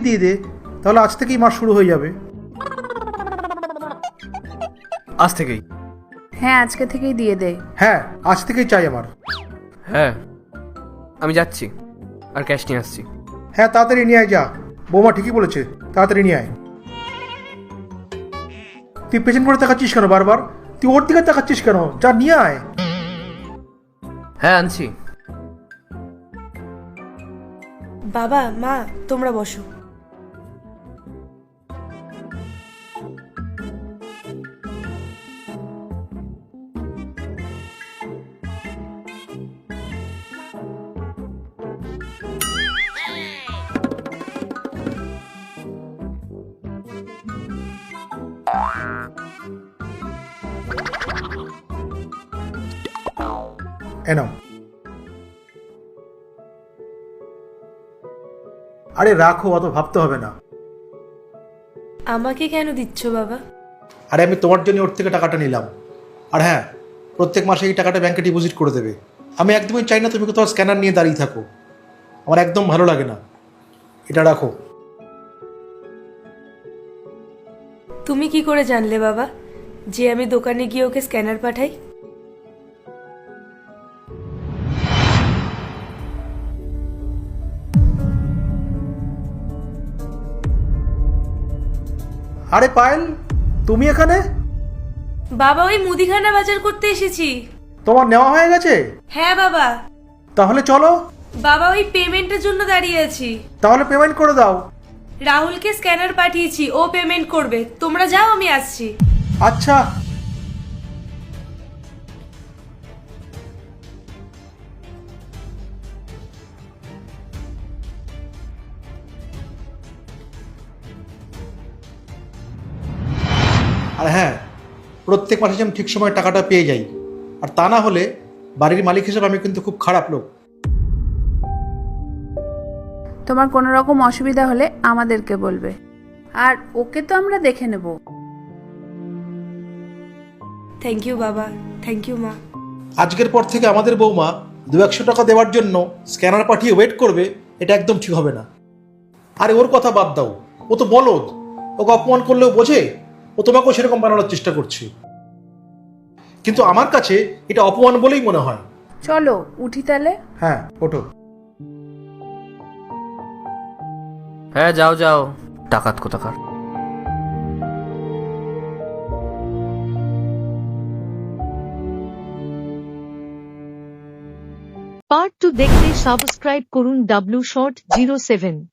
দিয়ে দে, তাহলে আজ থেকেই মাস শুরু হয়ে যাবে। আজ থেকেই? হ্যাঁ, আজকে থেকেই দিয়ে দে। হ্যাঁ, আজ থেকেই চাই আমার। হ্যাঁ, আমি যাচ্ছি আর ক্যাশ নিয়ে আসছি। হ্যাঁ, তাড়াতাড়ি নিয়ে আয়, যা। বৌমা ঠিকই বলেছে, তাড়াতাড়ি নিয়ে আয়। তুই পেছন করে তাকাচ্ছিস কেন বারবার? তুই ওর দিকে তাকাচ্ছিস কেন? যা নিয়ে আয়। হ্যাঁ, আনছি। বাবা, মা, তোমরা বসো। নাও। আরে রাখো, অত ভাবতে হবে না। আমাকে কেন দিচ্ছ বাবা? আরে আমি তোমার জন্য ওর থেকে টাকাটা নিলাম। আর হ্যাঁ, প্রত্যেক মাসে এই টাকাটা ব্যাংকে ডিপোজিট করে দেবে। আমি একদমই চাই না তুমি কোথাও স্ক্যানার নিয়ে দাঁড়িয়ে থাকো, আমার একদম ভালো লাগে না। এটা রাখো। তুমি কি করে জানলে বাবা যে আমি দোকানে গিয়ে ওকে স্ক্যানার পাঠাই? আরে পায়েল, তুমি এখানে? বাবা, ওই মুদিখানা বাজার করতে এসেছি। তোমার নেওয়া হয়ে গেছে? হ্যাঁ বাবা। তাহলে চলো। বাবা, ওই পেমেন্টের জন্য দাঁড়িয়ে আছি। তাহলে পেমেন্ট করে দাও। রাহুলকে স্ক্যানার পাঠিয়েছি, ও পেমেন্ট করবে। তোমরা যাও, আমি আসছি। আচ্ছা। আর হ্যাঁ, প্রত্যেক মাসে যেন ঠিক সময় টাকাটা পেয়ে যাই, আর তা না হলে বাড়ির মালিক হিসেবে আমি কিন্তু খুব খারাপ লোক। তোমার কোনো রকম অসুবিধা হলে আমাদেরকে বলবে, আর ওকে তো আমরা দেখে নেব। থ্যাংক ইউ বাবা, থ্যাংক ইউ মা। আজকের পর থেকে আমাদের বৌমা 200-100 টাকা দেওয়ার জন্য স্ক্যানার পাঠিয়ে ওয়েট করবে, এটা একদম ঠিক হবে না। আরে ওর কথা বাদ দাও, ও তো বলদ। ওকে অপমান করলেও বোঝে, ও তোমাকেও সেরকম বানানোর চেষ্টা করছে। কিন্তু আমার কাছে এটা অপমান বলেই মনে হয়। চলো উঠি তাহলে। হ্যাঁ, ওঠো। হ্যাঁ, যাও যাও, টাকাত কোথাকার। পার্ট 2 দেখতে সাবস্ক্রাইব করুন W Short 07।